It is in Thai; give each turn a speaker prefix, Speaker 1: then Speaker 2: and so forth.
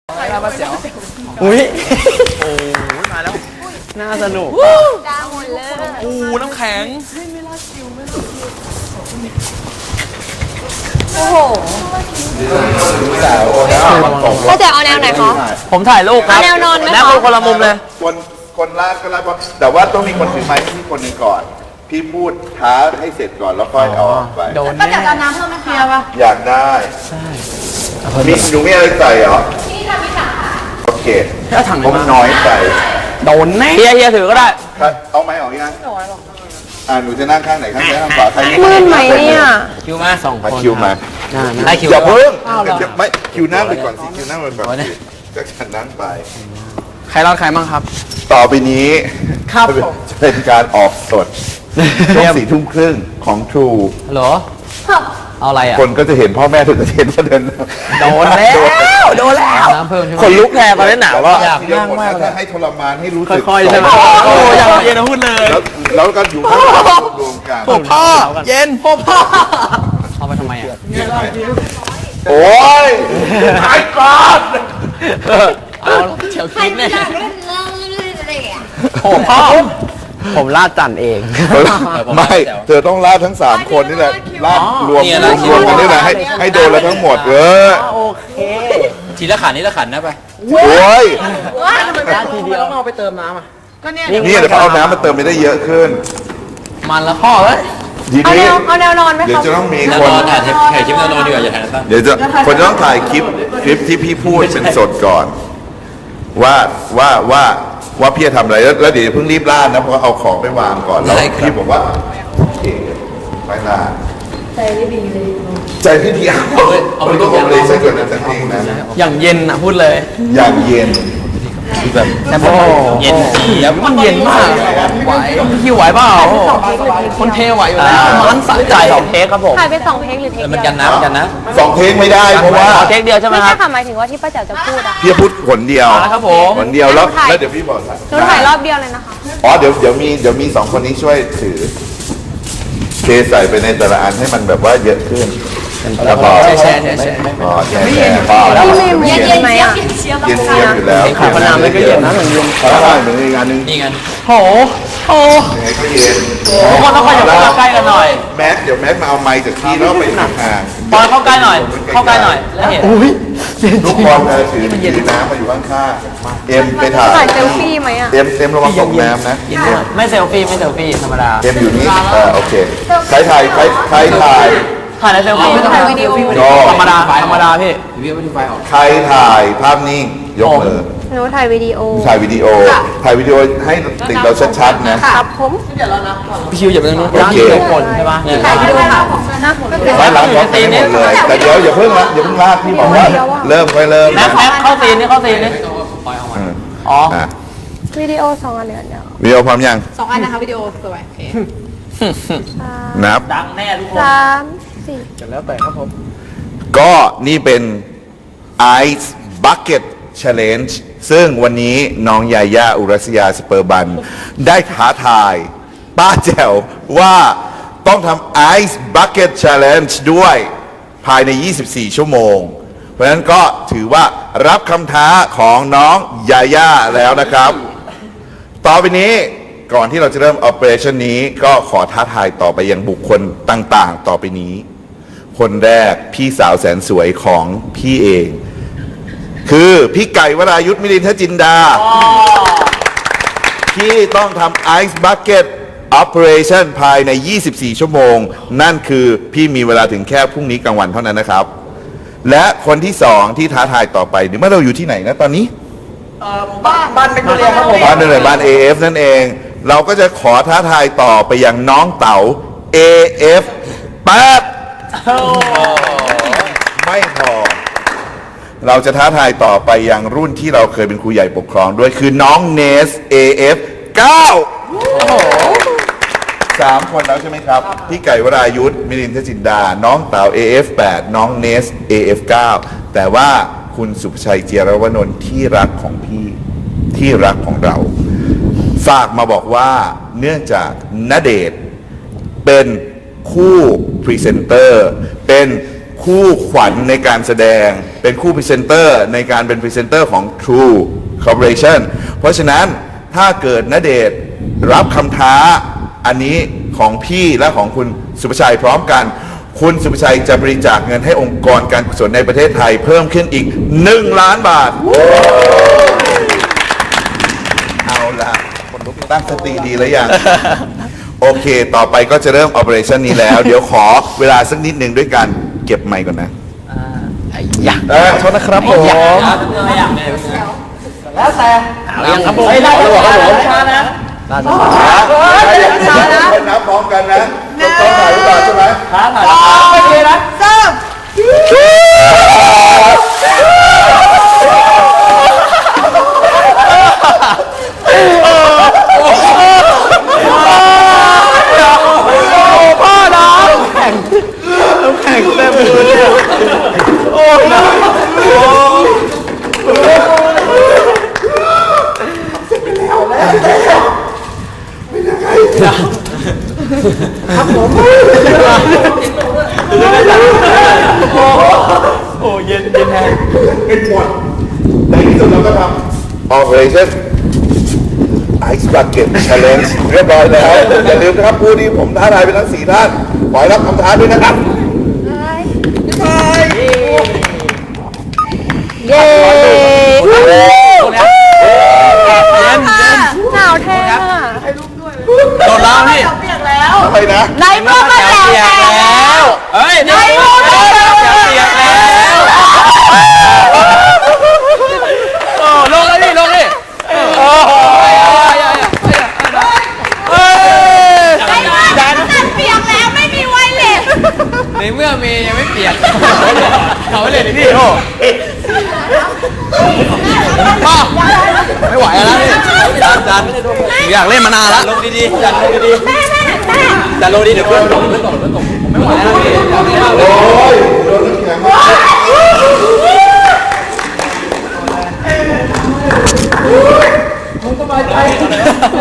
Speaker 1: อะไรมาเสียว
Speaker 2: อุ้ย
Speaker 1: โอ้ยมาแล้ว
Speaker 2: น่าสนุก
Speaker 3: ดาวหมดเลย
Speaker 1: โอ้น้ำแข็ง
Speaker 3: โอ้โห
Speaker 4: แต่
Speaker 3: พ่อแจ๋วเอาแนวไหนคะ
Speaker 1: ผมถ่ายรูปครับ
Speaker 3: เอาแนวนอนไหมคะ
Speaker 1: นั่งคนละมุมเลย
Speaker 5: คนลากก็ลากแต่ว่าต้องมีคนถือไม้ให้พี่คนหนึ่งก่อน พี่พูดท้าให้เสร็จก่อนแล้วค่อยเอาออกไป
Speaker 2: โดน
Speaker 3: ป้า
Speaker 2: แน่
Speaker 3: แจ๋วจะเอาน้ำเพิ่มไหมคะ
Speaker 5: อยากได้มีหนูมีอะไรใส่เหรอโอเค
Speaker 2: ถ้าถัง
Speaker 5: ผมน้อยใส่
Speaker 2: โดนแน่
Speaker 1: เฮียถือก็ได้
Speaker 5: ครับเอาไม้ออกยังหนูจะนั่งข้างไหนข้างซ้ายข้างขวาใคร
Speaker 3: มืดไหมเนี่ย
Speaker 1: คิวมา
Speaker 2: สองคน
Speaker 5: คิวมา
Speaker 1: ได้คิว
Speaker 5: อย่าเพิ่งไม่คิวนั่งไปก่อนสิคิวนั่งไปก่อนสิจากฉันนั่งไป
Speaker 2: ใครรอดใครบ้างครับ
Speaker 5: ต่อไปนี้
Speaker 2: ครับผม
Speaker 5: จะเป็นการออกสดช่วง4 ทุ่มครึ่งของ True
Speaker 1: เหรอ เอาอะไรอ่ะ
Speaker 5: คนก็จะเห็นพ่อแม่ถึงจะเห็นว่าเดิน
Speaker 2: โดนแล้วโดนแล้ว
Speaker 1: น้ำเพิ่มใช่ไหม
Speaker 2: คนลุกแทนตอนนี้หนาวก็
Speaker 1: อยาก
Speaker 5: นั่งมากถ้าให้ทรมานให้รู้สึก
Speaker 2: ค่อยๆใช่ไหม
Speaker 1: โอ้อยากเย็นนะพูดเลย
Speaker 5: แล้วก็อยู่ข้างหลังรวมกัน
Speaker 2: พ่อเย็นพ่อ
Speaker 1: เอาไปทำไมอ่ะ
Speaker 5: โอ้ยไอ้ก้อน
Speaker 1: เอาเฉียวคิดแน่
Speaker 2: โอ้พ่อผมลาดจันเอง
Speaker 5: ไม่เธอต้องลาดทั้ง3 คนนี่แหละลาดรวมกันนี่แหละให้โดนแล้วทั้งหมด
Speaker 2: โอเค
Speaker 1: ทีละขันนี่ละขันนะไป
Speaker 5: โอ้ย
Speaker 2: ลาดทีเดียวต้องเอาไปเติมน้ำอ่ะ
Speaker 5: นี่เดี๋ยวเขาเอาน้ำมาเติมไม่ได้เยอะขึ้น
Speaker 1: มันละพ่อเอ้ย
Speaker 5: ที
Speaker 3: เอาแน
Speaker 5: นี้
Speaker 3: วเอาแนวนอนไหม
Speaker 5: เดี๋ยว
Speaker 3: คะ
Speaker 5: จะต้องมี
Speaker 1: แนว
Speaker 5: คน
Speaker 1: นอนถ่ายคลิปแนวนอนดีกว่าอย่าถ่ายตั้ง
Speaker 5: เดี๋ยวจะคนจะต้องถ่ายคลิปที่พี่พูดเป็นสดก่อน ว่าพี่จะทำอะไรแล้วเดี๋ยวเพิ่งรีบลาดนะเพราะว่าเอาของไปวางก่อนแล้วพี่บอกว่าโอเคไปลาดใจไม่ดีเลยใจพี่ดีเอาไปต้องเลยใช่ก่อนนะจริงๆนะ
Speaker 2: อย่างเย็นอ่ะพูดเลย
Speaker 5: อย่างเย็น
Speaker 2: แต่พ่อ
Speaker 1: เย็นเจี๊ยบ
Speaker 2: มันเย็นมากไหวพี่ไหวเปล่าคนเทไหวอยู่แล้วมันสะใจของเทคครับผม
Speaker 3: ถ่ายเป็น2 เทคหรือเทค
Speaker 1: มัน
Speaker 3: เดี
Speaker 1: กั
Speaker 3: ย
Speaker 1: น
Speaker 3: ว
Speaker 1: นะมันกันนะ
Speaker 5: 2 เทคไม่ได้เพราะว่า
Speaker 2: เทคเดียวใช่ไหม
Speaker 3: ไม่
Speaker 2: ครั
Speaker 3: ใช่
Speaker 2: บ
Speaker 3: ค่ะหมายถึงว่าที่ป้าแจ๋วจะพูดอะ
Speaker 5: พี่พูดผลเดียว
Speaker 2: ครับผม
Speaker 5: ผลเดียวแล้ว
Speaker 3: ถ่าย
Speaker 5: แล้วเดี๋ยวพี่บอก
Speaker 3: หนูถ่ายรอบเดียวเลยนะคะ
Speaker 5: อ๋อเดี๋ยวมี2 คนนี้ช่วยถือเทใส่ไปในแต่ละอันให้มันแบบว่าเยอะขึ้นแล้วก็
Speaker 2: แชร์
Speaker 5: อ๋อแชร์พอแล้ว
Speaker 3: พี่เมย์เย็นไหมอะ
Speaker 5: เย็นเสียบอยู่แล้ว
Speaker 2: ขายพนามมันก็เย็นนะเหมือนเย็น
Speaker 5: ใช่เหมือนอีกอันนึง
Speaker 1: นี่ไง
Speaker 2: โหโห
Speaker 5: ยังไงก็เย็น
Speaker 2: ทุกคนต้องขยับเข้าใกล้กันหน่อย
Speaker 5: แม็กเดี๋ยวแม็กมาเอาไมค์จากพี่แล้วไปห่าง
Speaker 1: ปอนเข้าใกล้หน่อย เข้าใกล้หน่อยแล้วเห็น
Speaker 2: อุ้ย
Speaker 5: ทุกคนถือน้ำมาอยู่ข้างๆเอ็มไปถ่าย
Speaker 3: ถ่ายเซลฟี่ไหมอะ
Speaker 5: เอ็มระวังตกน้ำนะ
Speaker 2: ไม่เซลฟี่ไม่เซลฟี่ธรรมดา
Speaker 5: เอ็มอยู่นี่โอเคใครถ่าย
Speaker 2: ถ่ายในเซลฟี่
Speaker 3: ถ่ายวิดีโอ
Speaker 2: ธรรมดาพี่
Speaker 5: ใครถ่ายภาพนิ่งยกมือ
Speaker 3: หนูถ่ายวิดีโอ
Speaker 5: ถ่ายวิดีโอให้ติดเราชัดๆนะครับ
Speaker 3: ผม
Speaker 2: พี่คิวอย่าไปตรงนู้น
Speaker 5: โอเค
Speaker 2: ร้านคนใช่ปะ
Speaker 3: ถ่ายวิดีโอค่ะ
Speaker 5: ไว้หลังพร้อมกันหมดเลยแต่เดี๋ยวอย่าเพิ่งลากพี่บอกว่าเริ่มค่อยเริ่ม
Speaker 2: แม็กเข้าซีนนี่เข้าซีนนี่อ๋อ
Speaker 5: อ่ะ
Speaker 3: วิดีโอ2 อันเดียว
Speaker 5: วิดีโอพร้อมยัง
Speaker 4: 2 อันนะคะวิดีโอสวยโอเค
Speaker 5: นับ
Speaker 2: ดังแน่ทุกคน
Speaker 3: 3 4
Speaker 2: กันแล้วแต่ครับผม
Speaker 5: ก็นี่เป็น Ice Bucket Challenge ซึ่งวันนี้น้องยาย่าอุรัสยาสเปอร์บัน ได้ท้าทายป้าแจ๋วว่าต้องทำ Ice Bucket Challenge ด้วยภายใน 24 ชั่วโมง เพราะฉะนั้นก็ถือว่ารับคำท้าของน้องยาย่าแล้วนะครับ ต่อไปนี้ก่อนที่เราจะเริ่ม Operation นี้ก็ขอท้าทายต่อไปยังบุคคลต่างๆ ต่อไปนี้ คนแรกพี่สาวแสนสวยของพี่เอง คือพี่ไก่วรายุทธมิลินทจินดาที่ต้องทำ Ice Bucket Operation ภายใน 24 ชั่วโมง นั่นคือพี่มีเวลาถึงแค่พรุ่งนี้กลางวันเท่านั้นนะครับ และคนที่2ที่ท้าทายต่อไปเมื่อเราอยู่ที่ไหนนะตอนนี้
Speaker 2: บ้านเป็นตัวเรียนครับผม
Speaker 5: บ้านนั่นแหละบ้าน AF นั่นเอง เราก็จะขอท้าทายต่อไปยังน้องเต๋า AF 8ไม่พอ เราจะท้าทายต่อไปยังรุ่นที่เราเคยเป็นครูใหญ่ปกครองด้วยคือน้องเนส AF 9 3 คนแล้วใช่ไหมครับ พี่ไก่วรายุทธมิลินทจินดา น้องเต๋า AF 8 น้องเนส AF 9 แต่ว่าคุณสุภชัยเจียรวนนท์ที่รักของพี่ที่รักของเรา ฝากมาบอกว่าเนื่องจากณเดชน์เป็นคู่พรีเซนเตอร์เป็นคู่ขวัญในการแสดงเป็นเป็นคู่พรีเซนเตอร์ในการเป็นพรีเซนเตอร์ของ True Corporation เพราะฉะนั้นถ้าเกิดณเดชน์รับคำท้าอันนี้ของพี่และของคุณสุภชัยพร้อมกัน คุณสุภชัยจะบริจาคเงินให้องค์กรการกุศลในประเทศไทยเพิ่มขึ้นอีก1 ล้านบาท เอาล่ะคนลุกตั้งสติดีแล้วยัง โอเค ต่อไปก็จะเริ่ม operation นี้แล้ว เดี๋ยวขอเวลาสักนิดหนึ่งด้วยการเก็บไมค์ก่อนนะ
Speaker 2: ไอ้ยะ
Speaker 5: ขอโทษนะครับผม
Speaker 2: แล้วแต่เอายังครับผม
Speaker 1: เฮ้ยได้แล้วครับผมช้านะ
Speaker 5: นับพร้อมกันนะต้องถ่ายรูปก่อนใช่ไหม
Speaker 1: ช้าถ่ายแล้วไม่ดีนะ
Speaker 2: พ่อน้ำแข่งเต็มมือเนี่ยโอ้ยนะโอ้เย็นแห้ง
Speaker 5: เป็นหมดในที่สุดเราก็ทำ operation Ice Bucket Challenge เรียบร้อยแล้ว อย่าลืมนะครับผู้ที่ผมท้าทายไปทั้ง4 ท่านขอให้รับคำท้าด้วยนะครับ
Speaker 3: เย้ หนาวแท้อะ
Speaker 2: โดนแล้วพี่
Speaker 5: อะไรนะ
Speaker 3: ในเมื่อมันหนาวแล้ว
Speaker 2: เฮ้ย
Speaker 3: ในเมื่อมันหนาวแล้ว
Speaker 2: เปียกแล้วโอ้ลงเลยพี่ลงดิโอ้โห
Speaker 3: ในเมื่อมันเปียกแล้วไม่มีไวเลส
Speaker 1: ในเมื่อเมย์ยังไม่เปลี่ยน
Speaker 2: เขาเลยดิพี่โอ้ป้าไม่ไหวแล้วพี่จันอยากเล่นมานานแล้ว
Speaker 1: ลงดีๆจัดลงดี
Speaker 3: แม่
Speaker 1: ๆจัดลงดีเดี๋ยวเพื่อนตกไม่ไหวแล้วพี่อยากเล่นมากเลย
Speaker 5: โอ้ยโดนน้ำแข็ง
Speaker 1: เ